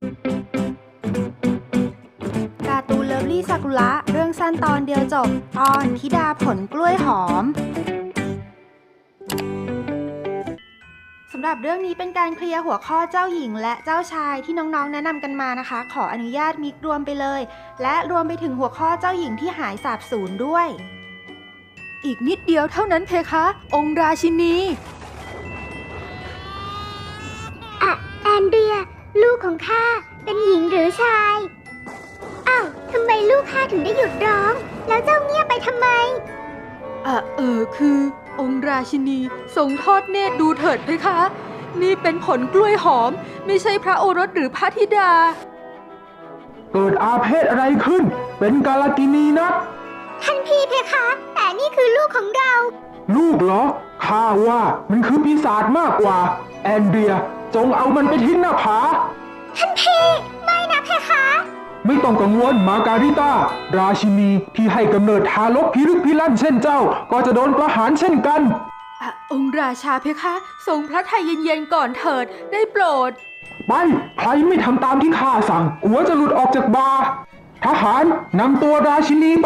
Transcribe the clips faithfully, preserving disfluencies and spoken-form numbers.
การ์ตูนเลิฟลี่ซากุระเรื่องสั้นตอนเดียวจบตอนธิดาผลกล้วยหอมสำหรับเรื่องนี้เป็นการเคลียร์หัวข้อเจ้าหญิงและเจ้าชายที่น้องๆแนะนำกันมานะคะขออนุญาตมิกรวมไปเลยและรวมไปถึงหัวข้อเจ้าหญิงที่หายสาบสูญด้วยอีกนิดเดียวเท่านั้นเพคะองค์ราชินีอะแอนเดรียลูกของข้าเป็นหญิงหรือชายอ้าวทำไมลูกข้าถึงได้หยุดร้องแล้วเจ้าเงียบไปทำไมอ่ะเออคือองค์ราชินีทรงทอดเนตรดูเถิดเพคะนี่เป็นผลกล้วยหอมไม่ใช่พระโอรสหรือพระธิดาเกิดอาเพศอะไรขึ้นเป็นกาลกินีนะท่านพี่เพคะแต่นี่คือลูกของเราลูกเหรอข้าว่ามันคือปีศาจมากกว่าแอนเดรียจงเอามันไปทิ้งหน้าผาท่านพี่ไม่นะเพคะไม่ต้องกังวลมาการิต้าราชินีที่ให้กำเนิดทารกพิลึกพิลั่นเช่นเจ้าก็จะโดนประหารเช่นกันอ่ะองค์ราชาเพคะทรงพระทัยเย็นๆก่อนเถิดได้โปรดไปใครไม่ทำตามที่ข้าสั่งหัวจะหลุดออกจากบาทหารนำตัวราชินีไป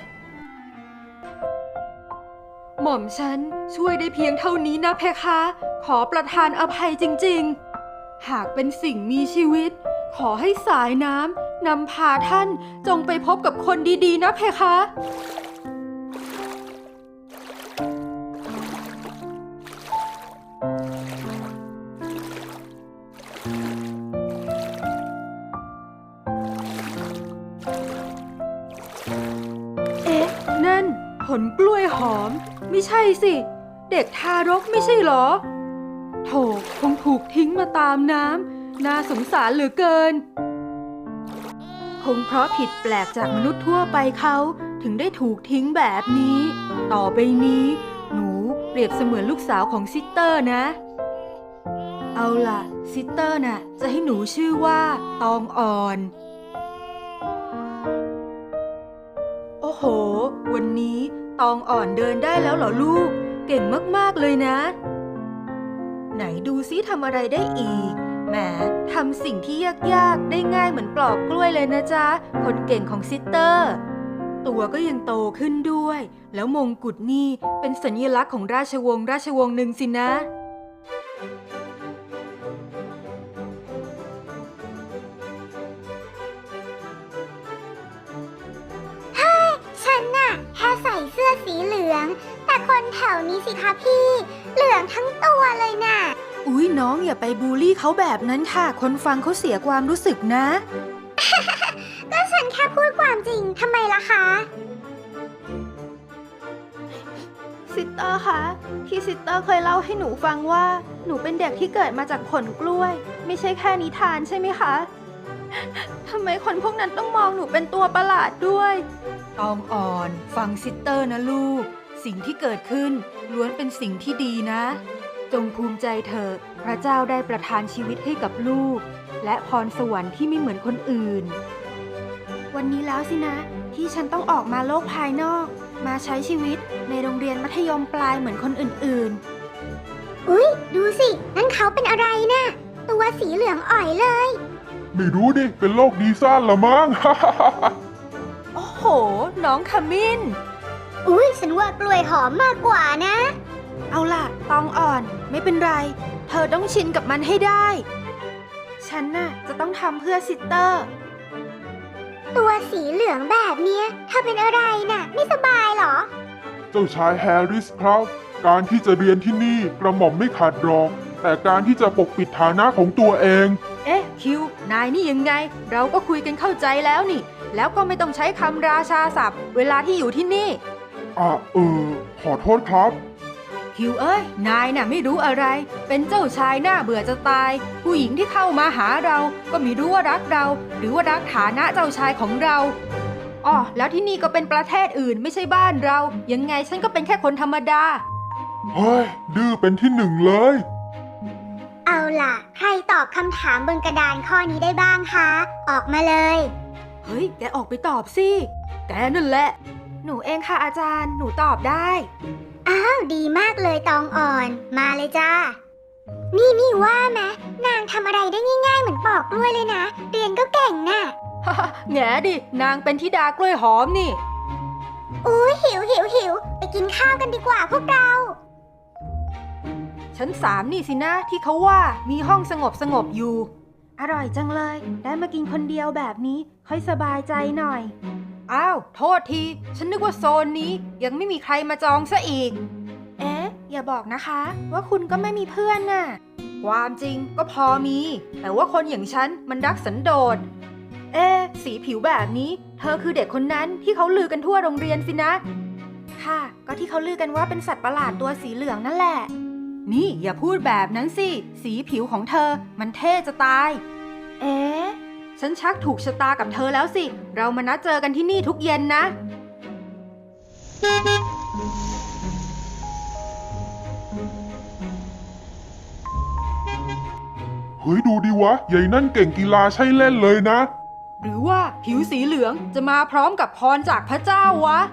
หม่อมฉันช่วยได้เพียงเท่านี้นะเพคะขอประทานอภัยจริงๆหากเป็นสิ่งมีชีวิตขอให้สายน้ำนำพาท่านจงไปพบกับคนดีๆนะเพคะเอ๊ะนั่นผลกล้วยหอมไม่ใช่สิเด็กทารกไม่ใช่หรอโถคงถูกทิ้งมาตามน้ำน่าสงสารเหลือเกินคงเพราะผิดแปลกจากมนุษย์ทั่วไปเขาถึงได้ถูกทิ้งแบบนี้ต่อไปนี้หนูเปรียบเสมือนลูกสาวของซิสเตอร์นะเอาล่ะซิสเตอร์น่ะจะให้หนูชื่อว่าตองอ่อนโอ้โหวันนี้ตองอ่อนเดินได้แล้วเหรอลูกเก่งมากๆเลยนะไหนดูซิทำอะไรได้อีกแหมทำสิ่งที่ยากๆได้ง่ายเหมือนปลอกกล้วยเลยนะจ๊ะคนเก่งของซิสเตอร์ตัวก็ยังโตขึ้นด้วยแล้วมงกุฎนี่เป็นสัญลักษณ์ของราชวงศ์ราชวงศ์หนึ่งสินะฉันน่ะแค่ใส่เสื้อสีเหลืองแต่คนแถวนี้สิคะพี่เหลืองทั้งตัวเลยน่ะอุ๊ยน้องอย่าไปบูลลี่เขาแบบนั้นค่ะคนฟังเขาเสียความรู้สึกนะก็ฉันแค่พูดความจริงทำไมล่ะคะซิสเตอร์คะที่ซิสเตอร์เคยเล่าให้หนูฟังว่าหนูเป็นเด็กที่เกิดมาจากผลกล้วยไม่ใช่แค่นิทานใช่ไหมคะทำไมคนพวกนั้นต้องมองหนูเป็นตัวประหลาดด้วยตองอ่อนฟังซิสเตอร์นะลูกสิ่งที่เกิดขึ้นล้วนเป็นสิ่งที่ดีนะจงภูมิใจเถอะพระเจ้าได้ประทานชีวิตให้กับลูกและพรสวรรค์ที่ไม่เหมือนคนอื่นวันนี้แล้วสินะที่ฉันต้องออกมาโลกภายนอกมาใช้ชีวิตในโรงเรียนมัธยมปลายเหมือนคนอื่นๆอุ๊ยดูสินั่นเขาเป็นอะไรนะ่ะตัวสีเหลืองอ่อยเลยไม่รู้ดิเป็นโรคดีซ่านละมั้งโอ้โหน้องขมิ้นอุ๊ยฉันว่ากล้วยหอมมากกว่านะเอาล่ะตองอ่อนไม่เป็นไรเธอต้องชินกับมันให้ได้ฉันน่ะจะต้องทำเพื่อซิสเตอร์ตัวสีเหลืองแบบเนี้ยเธอเป็นอะไรน่ะไม่สบายเหรอเจ้าชายแฮร์ริสครับการที่จะเรียนที่นี่กระหม่อมไม่ขาดรองแต่การที่จะปกปิดฐานะของตัวเองเอ๊ะคิวนายนี่ยังไงเราก็คุยกันเข้าใจแล้วนี่แล้วก็ไม่ต้องใช้คำราชาศัพท์เวลาที่อยู่ที่นี่อ่ะเออขอโทษครับคิวเอ้ยนายน่ะไม่รู้อะไรเป็นเจ้าชายหน้าเบื่อจะตายผู้หญิงที่เข้ามาหาเราก็ไม่รู้ว่ารักเราหรือว่ารักฐานะเจ้าชายของเราอ๋อแล้วที่นี่ก็เป็นประเทศอื่นไม่ใช่บ้านเรายังไงฉันก็เป็นแค่คนธรรมดาเฮ้ยดื้อเป็นที่หนึ่งเลยเอาล่ะใครตอบคำถามบนกระดานข้อนี้ได้บ้างคะออกมาเลยเฮ้ยแกออกไปตอบสิแกนั่นแหละหนูเองค่ะอาจารย์หนูตอบได้อ้าวดีมากเลยตองอ่อนมาเลยจ้านี่นี่ว่าไหมนางทำอะไรได้ง่ายๆเหมือนปอกกล้วยเลยนะ เรียนก็เก่งน่ะแง่ดิ นางเป็นธิดากล้วยหอมนี่อุ้ยหิวหิวหิวไปกินข้าวกันดีกว่าพวกเราชั้นสามนี่สินะที่เขาว่ามีห้องสงบสงบอยู่ อร่อยจังเลย ได้มากินคนเดียวแบบนี้ค่อยสบายใจหน่อย อ้าว โทษที ฉันนึกว่าโซนนี้ยังไม่มีใครมาจองซะอีก เอ๊ะ อย่าบอกนะคะ ว่าคุณก็ไม่มีเพื่อนน่ะ ความจริงก็พอมี แต่ว่าคนอย่างฉันมันรักสันโดษ เอ๊ะ สีผิวแบบนี้ เธอคือเด็กคนนั้นที่เขาลือกันทั่วโรงเรียนสินะ ค่ะ ก็ที่เขาลือกันว่าเป็นสัตว์ประหลาดตัวสีเหลืองนั่นแหละ นี่อย่าพูดแบบนั้นสิ สีผิวของเธอมันเท่จะตาย เอ๊ะ ฉันชักถูกชะตากับเธอแล้วสิ เรามานัดเจอกันที่นี่ทุกเย็นนะเฮ้ยดูดิวะใหญ่นั่นเก่งกีฬาใช่เล่นเลยนะหรือว่าผิวสีเหลืองจะมาพร้อมกับพรจากพระเจ้าวะ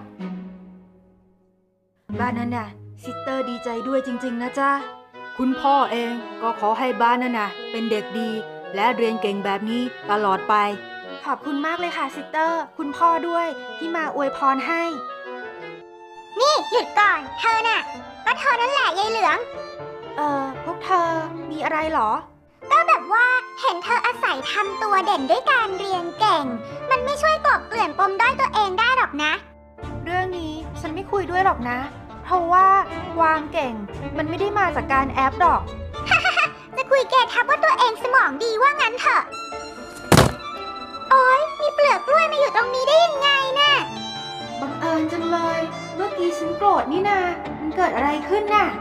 บ้านนั้นน่ะซิสเตอร์ดีใจด้วยจริงๆนะจ๊ะ คุณพ่อเองก็ขอให้บ้านนั้นน่ะเป็นเด็กดี และเรียนเก่งแบบนี้ตลอดไป ขอบคุณมากเลยค่ะซิสเตอร์ คุณพ่อด้วยที่มาอวยพรให้นี่หยุดก่อน เธอน่ะ ก็เธอนั่นแหละยายเหลืองเอ่อ พวกเธอมีอะไรเหรอก็แบบว่าเห็นเธออาศัยทำตัวเด่นด้วยการเรียนเก่ง มันไม่ช่วยกลบเกลื่อนปมด้อยตัวเองได้หรอกนะเรื่องนี้ฉันไม่คุยด้วยหรอกนะ เพราะว่าวางเก่ง มันไม่ได้มาจากการแอปหรอกจะคุยแกทับว่าตัวเองสมองดีว่างั้นเถอะ โอ๊ย มีเปลือกกล้วยมาอยู่ตรงนี้ได้ยังไงน่ะบังเอิญจังเลย เมื่อกี้ฉันโกรธนี่นามันเกิดอะไรขึ้นน่ะ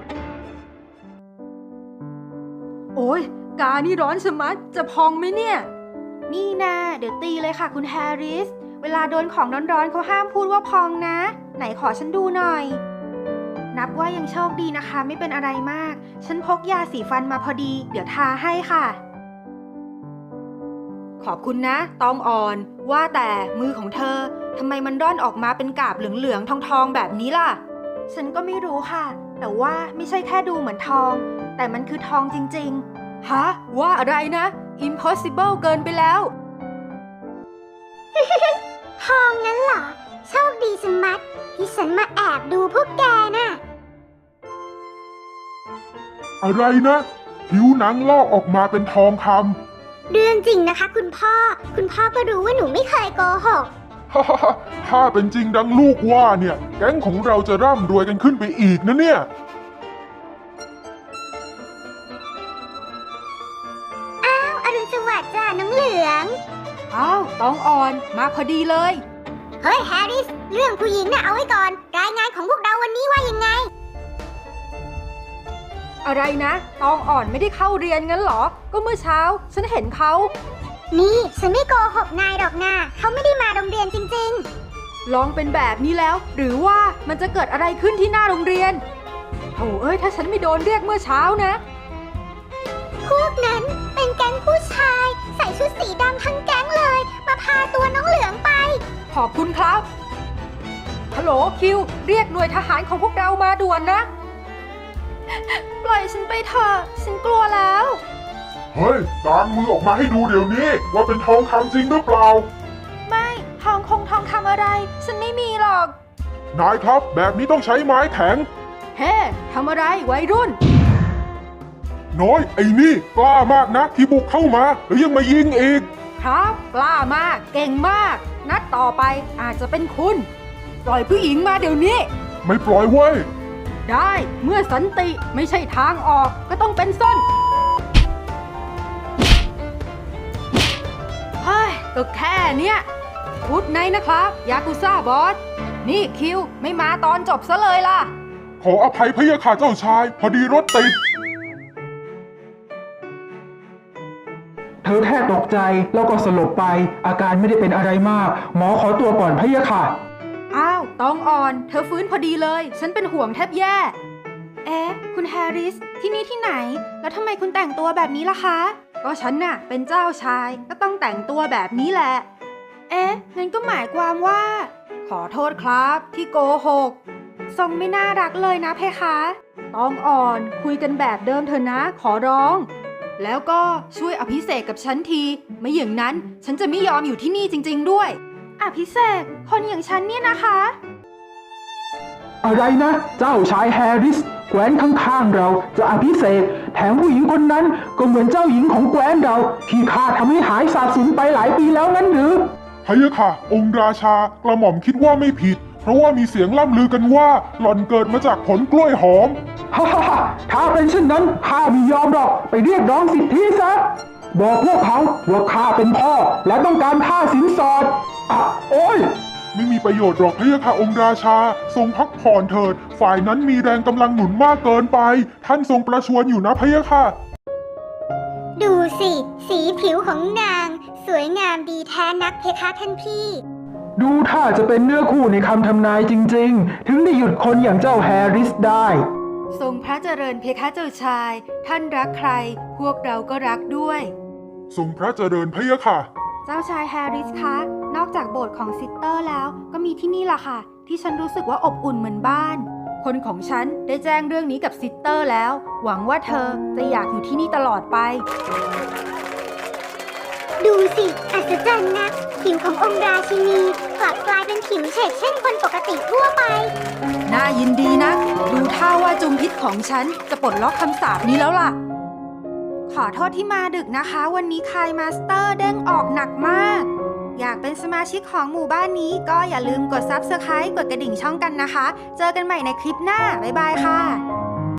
โอ้ยกานี่ร้อนชะมัดจะพองไหมเนี่ย นี่นาเดี๋ยวตีเลยค่ะคุณแฮร์ริส เวลาโดนของร้อนๆเขาห้ามพูดว่าพองนะ ไหนขอฉันดูหน่อย นับว่ายังโชคดีนะคะ ไม่เป็นอะไรมาก ฉันพกยาสีฟันมาพอดี เดี๋ยวทาให้ค่ะ ขอบคุณนะตองอ่อน ว่าแต่มือของเธอทำไมมันร่อนออกมาเป็นกาบเหลืองๆทองๆแบบนี้ล่ะ ฉันก็ไม่รู้ค่ะ แต่ว่าไม่ใช่แค่ดูเหมือนทอง แต่มันคือทองจริงๆ ฮะ ว่าอะไรนะ impossible เกินไปแล้วทองนั้นเหรอ โชคดีสมัดที่ฉันมาแอบดูพวกแกน่ะอะไรนะ ผิวหนังลอกออกมาเป็นทองคำเรื่องจริงนะคะคุณพ่อ คุณพ่อก็รู้ว่าหนูไม่เคยโกหกฮ่าฮ่าฮ่าถ้าเป็นจริงดังลูกว่าเนี่ย แก๊งของเราจะร่ำรวยกันขึ้นไปอีกนะเนี่ยอ้าวอรุณสวัสดิ์จ้าน้องเหลืองอ้าวตองอ่อนมาพอดีเลยเฮ้ยแฮร์ริส เรื่องผู้หญิงน่ะเอาไว้ก่อน รายงานของพวกเราวันนี้ว่ายังไงอะไรนะ ตองอ่อนไม่ได้เข้าเรียนงั้นเหรอ ก็เมื่อเช้า ฉันเห็นเขานี่ฉันไม่โกหกนายหรอกนะเขาไม่ได้มาโรงเรียนจริงลองเป็นแบบนี้แล้ว หรือว่ามันจะเกิดอะไรขึ้นที่หน้าโรงเรียนโถเอ้ยถ้าฉันไม่โดนเรียกเมื่อเช้านะๆ พวกนั้นเป็นแก๊งผู้ชาย ใส่ชุดสีดำทั้งแก๊งเลย มาพาตัวน้องเหลืองไปขอบคุณครับ ฮัลโหลคิว เรียกหน่วยทหารของพวกเรามาด่วนนะ ปล่อยฉันไปเถอะ ฉันกลัวแล้วเฮ้ยกางมือออกมาให้ดูเดี๋ยวนี้ ว่าเป็นทองคำจริงหรือเปล่าไม่ทองคงทองคำอะไร ฉันไม่มีหรอกนายครับ แบบนี้ต้องใช้ไม้แข็งเฮ้ทำอะไรวัยรุ่นน้อยไอ้นี่กล้ามากนะ ที่บุกเข้ามาแล้วยังมายิงอีกครับกล้ามาก เก่งมาก นัดต่อไปอาจจะเป็นคุณ ปล่อยผู้หญิงมาเดี๋ยวนี้ไม่ปล่อยเว้ยได้เมื่อสันติไม่ใช่ทางออกก็ต้องเป็นส้นเฮ้ยก็แค่เนี้ยพูดในนะครับยากุซ่าบอส นี่คิวไม่มาตอนจบซะเลยล่ะขออภัยพะยะค่ะเจ้าชาย พอดีรถติดเธอแค่ตกใจแล้วก็สลบไป อาการไม่ได้เป็นอะไรมาก หมอขอตัวก่อนพะยะค่ะอ้าวตองอ่อน เธอฟื้นพอดีเลย ฉันเป็นห่วงแทบแย่ เอ๊ะ คุณแฮร์ริส ที่นี่ที่ไหน แล้วทำไมคุณแต่งตัวแบบนี้ล่ะคะ ก็ฉันน่ะ เป็นเจ้าชาย ก็ต้องแต่งตัวแบบนี้แหละ เอ๊ะ งั้นก็หมายความว่า ขอโทษครับที่โกหก ทรงไม่น่ารักเลยนะเพคะตองอ่อนคุยกันแบบเดิมเถอะนะขอร้อง แล้วก็ช่วยอภิเษกกับฉันที ไม่อย่างนั้นฉันจะไม่ยอมอยู่ที่นี่จริงๆด้วย อภิเษกคนอย่างฉันเนี่ยนะคะอะไรนะ เจ้าชายแฮร์ริสแคว้นข้างๆเราจะอภิเษกแถมผู้หญิงคนนั้นก็เหมือนเจ้าหญิงของแคว้นเราที่ข้าทำให้หายสาบสูญไปหลายปีแล้วงั้นหรือพะยะค่ะ องค์ราชากระหม่อมคิดว่าไม่ผิด เพราะว่ามีเสียงล่ำลือกันว่าหล่อนเกิดมาจากผลกล้วยหอมฮ่าฮ่าฮ่าถ้าเป็นเช่นนั้นข้าไม่ยอมหรอกไปเรียกร้องสิทธิซะบอกพวกเขาว่าข้าเป็นพ่อและต้องการค่าสินสอดอ่ะโอ้ยไม่มีประโยชน์หรอกพะยะค่ะองค์ราชาทรงพักผ่อนเถิด ฝ่ายนั้นมีแรงกำลังหนุนมากเกินไป ท่านทรงประชวรอยู่นะพะยะค่ะดูสิ สีผิวของนาง สวยงามดีแท้นักเพคะท่านพี่ดูถ้าจะเป็นเนื้อคู่ในคำทำนายจริงๆ ถึงได้หยุดคนอย่างเจ้าแฮร์ริสได้ทรงพระเจริญเพคะเจ้าชาย ท่านรักใคร พวกเราก็รักด้วยทรงพระเจริญพะยะค่ะเจ้าชายแฮร์ริสคะ นอกจากโบสถ์ของซิสเตอร์แล้ว ก็มีที่นี่ล่ะค่ะ ที่ฉันรู้สึกว่าอบอุ่นเหมือนบ้าน คนของฉันได้แจ้งเรื่องนี้กับซิสเตอร์แล้ว หวังว่าเธอจะอยากอยู่ที่นี่ตลอดไปดูสิ อัศจรรย์นะผิวขององค์ราชินีกลับกลายเป็นผิวเฉดเช่นคนปกติทั่วไปน่ายินดีนะ ดูท่าว่าจุมพิษของฉันจะปลดล็อกคำสาปนี้แล้วล่ะ ขอโทษที่มาดึกนะคะ วันนี้คายมาสเตอร์เด้งออกหนักมาก อยากเป็นสมาชิกของหมู่บ้านนี้ก็อย่าลืมกด ซับสไครบ์ กดกระดิ่งช่องกันนะคะ เจอกันใหม่ในคลิปหน้า บ๊ายบายค่ะ